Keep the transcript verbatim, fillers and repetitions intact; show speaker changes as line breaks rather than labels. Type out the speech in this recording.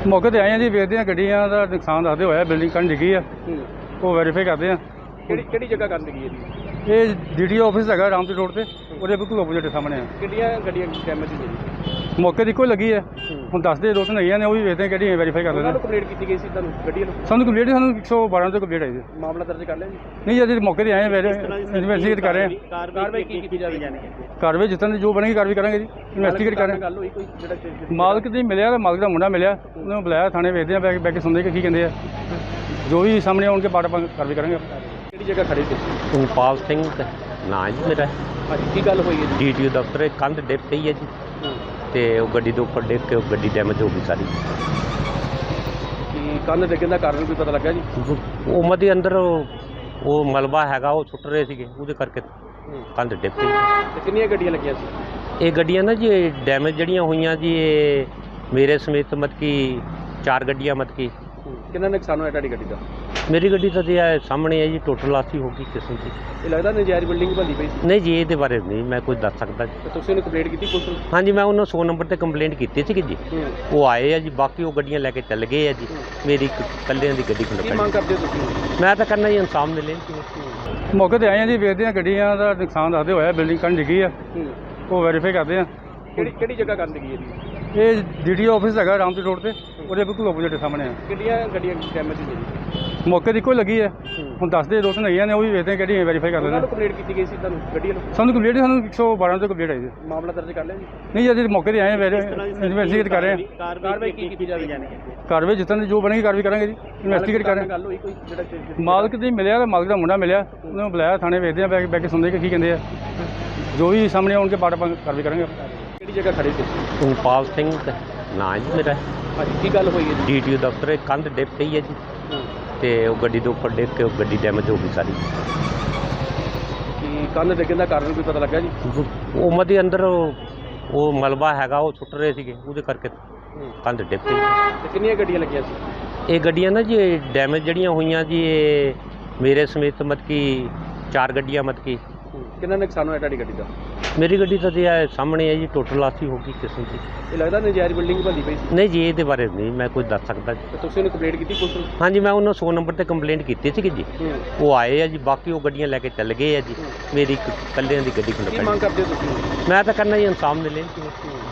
मौके ते आए हैं जी, वेखते हैं गड्डियां दा नुकसान दसदे होया, बिल्डिंग कंध डिगी है, वो वेरीफाई करते हैं।
ਕਿਹੜੀ ਕਿਹੜੀ ਜਗ੍ਹਾ ਕਰਨ ਲੱਗੀ ਹੈ ਜੀ?
ये डी डी ऑफिस है रामपुर रोड से, ਉਹਦੇ ਬਿਲਕੁਲ ਆਪੋਜ਼ਿਟ ਸਾਹਮਣੇ ਹੈ।
ਕਿੰਨੀਆਂ ਗੱਡੀਆਂ ਡੈਮੇਜ ਹੋਈਆਂ ਜੀ?
ਮੌਕੇ ਦੀ ਕੋਈ ਲੱਗੀ ਹੈ, ਹੁਣ ਦੱਸਦੇ ਦੋ ਤਿੰਨ ਹੈਗੀਆਂ ਨੇ, ਉਹ ਵੀ ਵੇਖਦੇ ਕਿਹੜੀ ਵੈਰੀਫਾਈ ਕਰਦੇ
ਉਹਨਾਂ
ਨੇ।
ਨੂੰ ਕੰਪਲੇਂਟ ਕੀਤੀ ਗਈ ਸੀ ਤੁਹਾਨੂੰ ਗੱਡੀ ਨੂੰ?
ਸਾਨੂੰ ਕੰਪਲੀਟ ਸਾਨੂੰ ਇੱਕ ਸੌ ਬਾਰਾਂ ਤੋਂ ਕੰਪਲੀਟ ਆਈ ਸੀ।
ਮਾਮਲਾ ਦਰਜ ਕਰ ਲਿਆ ਜੀ?
ਨਹੀਂ ਅਜੇ ਮੌਕੇ ਤੇ ਆਏ ਹਾਂ, ਇਨਵੈਸਟੀਗੇਟ ਕਰ ਰਹੇ ਹਾਂ।
ਕਾਰਵਾਈ ਕੀ ਕੀਤੀ ਜਾਵੇ?
ਕਾਰਵਾਈ ਜਿੱਦਾਂ ਦੀ ਜੋ ਬਣੇਗੀ ਕਾਰਵਾਈ ਕਰਾਂਗੇ ਜੀ, ਇਨਵੈਸਟੀਗੇਟ ਕਰ ਰਹੇ ਹਾਂ।
ਗੱਲ ਹੋਈ ਕੋਈ ਜਿਹੜਾ
ਮਾਲਕ ਦੀ ਮਿਲਿਆ ਤਾਂ ਮਾਲਕ ਦਾ ਮੁੰਡਾ ਮਿਲਿਆ, ਉਹਨੂੰ ਬੁਲਾਇਆ ਥਾਣੇ, ਵੇਖਦੇ ਆ ਬੈ ਕੇ ਸੁਣਦੇ ਕਿ ਕੀ ਕਹਿੰਦੇ ਆ, ਜੋ ਵੀ ਸਾਹਮਣੇ ਆਉਣਗੇ ਬਾਅਦ ਆਪਾਂ ਕਾਰਵਾਈ ਕਰਾਂਗੇ।
ਕਿਹੜੀ ਜਗ੍ਹਾ ਖੜੇ ਸੀ?
ਇੰਪਾਲ ਸਿੰਘ ਨਾਂ ਜੀ ਮੇਰਾ।
ਹਾਂਜੀ, ਕੀ ਗੱਲ ਹੋਈ ਹੈ ਜੀ?
ਡੀ ਟੀ ਓ ਦਫ਼ਤਰ ਕੰਧ ਡਿੱਗ ਪਈ ਹੈ ਜੀ, ਤੇ ਉਹ ਗੱਡੀ ਦੇ ਉੱਪਰ ਡਿੱਗ ਕੇ ਉਹ ਗੱਡੀ ਡੈਮੇਜ ਹੋ ਗਈ ਸਾਰੀ।
ਕੀ ਕੰਧ ਡਿੱਗਣ ਦਾ ਕਾਰਨ ਕੋਈ ਪਤਾ ਲੱਗਾ ਜੀ?
ਉਹ ਮਦੇ ਅੰਦਰ ਉਹ ਉਹ ਮਲਬਾ ਹੈਗਾ, ਉਹ ਸੁੱਟ ਰਹੇ ਸੀਗੇ, ਉਹਦੇ ਕਰਕੇ ਕੰਧ ਡਿੱਗ ਪਈ।
ਤੇ ਕਿੰਨੀਆਂ ਗੱਡੀਆਂ ਲੱਗੀਆਂ ਸੀ?
ਇਹ ਗੱਡੀਆਂ ਨਾ ਜੀ ਡੈਮੇਜ ਜਿਹੜੀਆਂ ਹੋਈਆਂ ਜੀ, ਇਹ ਮੇਰੇ ਸਮੇਤ ਮਤ ਕੀ ਚਾਰ ਗੱਡੀਆਂ ਮਤ ਕੀ।
ਕਿੰਨਾ ਨੁਕਸਾਨ ਹੋਇਆ ਤੁਹਾਡੀ ਗੱਡੀ ਦਾ?
ਮੇਰੀ ਗੱਡੀ ਤਾਂ ਜੀ ਇਹ ਸਾਹਮਣੇ ਹੈ ਜੀ, ਟੋਟਲ ਲਾਸੀ ਹੋ ਗਈ ਕਿਸਮ ਦੀ।
ਇਹ ਲੱਗਦਾ ਨਜਾਇਜ਼ ਬਿਲਡਿੰਗ ਬੰਦੀ ਪਈ ਸੀ?
ਨਹੀਂ ਜੀ, ਇਹਦੇ ਬਾਰੇ ਨਹੀਂ ਮੈਂ ਕੁਝ ਦੱਸ ਸਕਦਾ ਜੀ।
ਤੇ ਤੁਸੀਂ ਉਹਨੂੰ ਕੰਪਲੇਂਟ ਕੀਤੀ ਪੁਲਿਸ ਨੂੰ?
ਹਾਂਜੀ, ਮੈਂ ਉਹਨਾਂ ਸੌ ਨੰਬਰ ਤੇ ਕੰਪਲੇਂਟ ਕੀਤੀ ਸੀਗੀ ਜੀ, ਉਹ ਆਏ ਆ ਜੀ, ਬਾਕੀ ਉਹ ਗੱਡੀਆਂ ਲੈ ਕੇ ਚੱਲ ਗਏ ਆ ਜੀ। ਮੇਰੀ ਇੱਕ ਇਕੱਲਿਆਂ ਦੀ ਗੱਡੀ
ਕੀ
ਖੁੱਲ੍ਹ
ਮੰਗ ਕਰਦੇ ਹੋ ਤੁਸੀਂ?
ਮੈਂ ਤਾਂ ਕਰਨਾ ਜੀ ਇਨਸਾਫ ਮਿਲੇ।
ਮੌਕੇ ਤੇ ਆਏ ਹਾਂ ਜੀ, ਵੇਖਦੇ ਹਾਂ ਗड्डियां ਦਾ ਨੁਕਸਾਨ ਦੱਸਦੇ ਹੋਇਆ, ਬਿਲਡਿੰਗ ਕੰਧ ਡਿੱਗੀ ਹੈ, ਉਹ ਵੈਰੀਫਾਈ ਕਰਦੇ ਹਾਂ।
ਕਿਹੜੀ ਕਿਹੜੀ ਜਗ੍ਹਾ ਕਰਨ ਲੱਗੀ ਹੈ ਜੀ?
ਇਹ ਡੀ ਡੀ ਆਫਿਸ ਹੈਗਾ ਰਾਮਪੁਰ ਰੋਡ ਤੇ, ਉਹਦੇ ਬਿਲਕੁਲ ਆਪੋਜ਼ਿਟ ਸਾਹਮਣੇ ਹੈ।
ਕਿੰਨੀਆਂ ਗੱਡੀਆਂ ਡੈਮੇਜ ਹੋਈਆਂ ਜੀ?
ਮੌਕੇ ਦੀ ਕੋਈ ਲੱਗੀ ਹੈ, ਹੁਣ ਦੱਸਦੇ ਦੋ ਤਿੰਨ ਹੈਗੀਆਂ ਨੇ, ਉਹ ਵੀ ਵੇਖਦੇ ਕਿਹੜੀ ਵੈਰੀਫਾਈ ਕਰਦੇ
ਉਹਨਾਂ
ਨੇ।
ਨੂੰ ਕੰਪਲੇਂਟ ਕੀਤੀ ਗਈ ਸੀ ਤੁਹਾਨੂੰ ਗੱਡੀ ਨੂੰ?
ਸਾਨੂੰ ਕੰਪਲੀਟ ਸਾਨੂੰ ਇੱਕ ਸੌ ਬਾਰਾਂ ਤੋਂ ਕੰਪਲੀਟ ਆਈ ਸੀ।
ਮਾਮਲਾ ਦਰਜ ਕਰ ਲਿਆ ਜੀ?
ਨਹੀਂ ਅਜੇ ਮੌਕੇ ਤੇ ਆਏ ਹਾਂ, ਇਨਵੈਸਟੀਗੇਟ ਕਰ ਰਹੇ ਹਾਂ।
ਕਾਰਵਾਈ ਕੀ ਕੀਤੀ ਜਾਵੇ?
ਕਾਰਵਾਈ ਜਿੱਦਾਂ ਦੀ ਜੋ ਬਣੇਗੀ ਕਾਰਵਾਈ ਕਰਾਂਗੇ ਜੀ, ਇਨਵੈਸਟੀਗੇਟ ਕਰ ਰਹੇ ਹਾਂ।
ਗੱਲ ਹੋਈ ਕੋਈ ਜਿਹੜਾ
ਮਾਲਕ ਦੀ ਮਿਲਿਆ ਤਾਂ ਮਾਲਕ ਦਾ ਮੁੰਡਾ ਮਿਲਿਆ, ਉਹਨੂੰ ਬੁਲਾਇਆ ਥਾਣੇ, ਵੇਖਦੇ ਆ ਬੈ ਕੇ ਸੁਣਦੇ ਕਿ ਕੀ ਕਹਿੰਦੇ ਆ, ਜੋ ਵੀ ਸਾਹਮਣੇ ਆਉਣਗੇ ਬਾਅਦ ਆਪਾਂ ਕਾਰਵਾਈ ਕਰਾਂਗੇ।
ਕਿਹੜੀ ਜਗ੍ਹਾ ਖੜੇ ਸੀ?
ਇੰਪਾਲ ਸਿੰਘ ਨਾਂ ਜੀ ਮੇਰਾ।
ਹਾਂਜੀ, ਕੀ ਗੱਲ ਹੋਈ ਹੈ ਜੀ?
ਡੀ ਟੀ ਓ ਦਫ਼ਤਰ ਕੰਧ ਡਿੱਗ ਪਈ ਹੈ ਜੀ, ਤੇ ਉਹ ਗੱਡੀ ਦੇ ਉੱਪਰ ਡਿੱਗ ਕੇ ਉਹ ਗੱਡੀ ਡੈਮੇਜ ਹੋ ਗਈ ਸਾਰੀ।
ਕੀ ਕੰਧ ਡਿੱਗਣ ਦਾ ਕਾਰਨ ਕੋਈ ਪਤਾ ਲੱਗਾ ਜੀ?
ਉਹ ਮਦੇ ਅੰਦਰ ਉਹ ਉਹ ਮਲਬਾ ਹੈਗਾ, ਉਹ ਸੁੱਟ ਰਹੇ ਸੀਗੇ, ਉਹਦੇ ਕਰਕੇ ਕੰਧ ਡਿੱਗ ਪਈ।
ਤੇ ਕਿੰਨੀਆਂ ਗੱਡੀਆਂ ਲੱਗੀਆਂ ਸੀ?
ਇਹ ਗੱਡੀਆਂ ਨਾ ਜੀ ਡੈਮੇਜ ਜਿਹੜੀਆਂ ਹੋਈਆਂ ਜੀ, ਇਹ ਮੇਰੇ ਸਮੇਤ ਮਤ ਕੀ ਚਾਰ ਗੱਡੀਆਂ ਮਤ ਕੀ।
ਕਿੰਨਾ ਨੁਕਸਾਨ ਹੋਇਆ ਤੁਹਾਡੀ ਗੱਡੀ ਦਾ?
ਮੇਰੀ ਗੱਡੀ ਤਾਂ ਜੀ ਇਹ ਸਾਹਮਣੇ ਹੈ ਜੀ, ਟੋਟਲ ਲਾਸੀ ਹੋ ਗਈ ਕਿਸਮ ਦੀ।
ਇਹ ਲੱਗਦਾ ਨਜਾਇਜ਼ ਬਿਲਡਿੰਗ ਬੰਦੀ ਪਈ ਸੀ?
ਨਹੀਂ ਜੀ, ਇਹਦੇ ਬਾਰੇ ਨਹੀਂ ਮੈਂ ਕੁਝ ਦੱਸ ਸਕਦਾ ਜੀ।
ਤੇ ਤੁਸੀਂ ਉਹਨੂੰ ਕੰਪਲੇਂਟ ਕੀਤੀ ਪੁਲਿਸ ਨੂੰ?
ਹਾਂਜੀ, ਮੈਂ ਉਹਨਾਂ ਸੌ ਨੰਬਰ ਤੇ ਕੰਪਲੇਂਟ ਕੀਤੀ ਸੀਗੀ ਜੀ, ਉਹ ਆਏ ਆ ਜੀ, ਬਾਕੀ ਉਹ ਗੱਡੀਆਂ ਲੈ ਕੇ ਚੱਲ ਗਏ ਆ ਜੀ। ਮੇਰੀ ਇੱਕ ਇਕੱਲਿਆਂ ਦੀ ਗੱਡੀ
ਕੀ
ਖੁੱਲ੍ਹ
ਮੰਗ ਕਰਦੇ ਹੋ ਤੁਸੀਂ?
ਮੈਂ ਤਾਂ ਕਰਨਾ ਜੀ ਇਨਸਾਫ ਮਿਲੇ।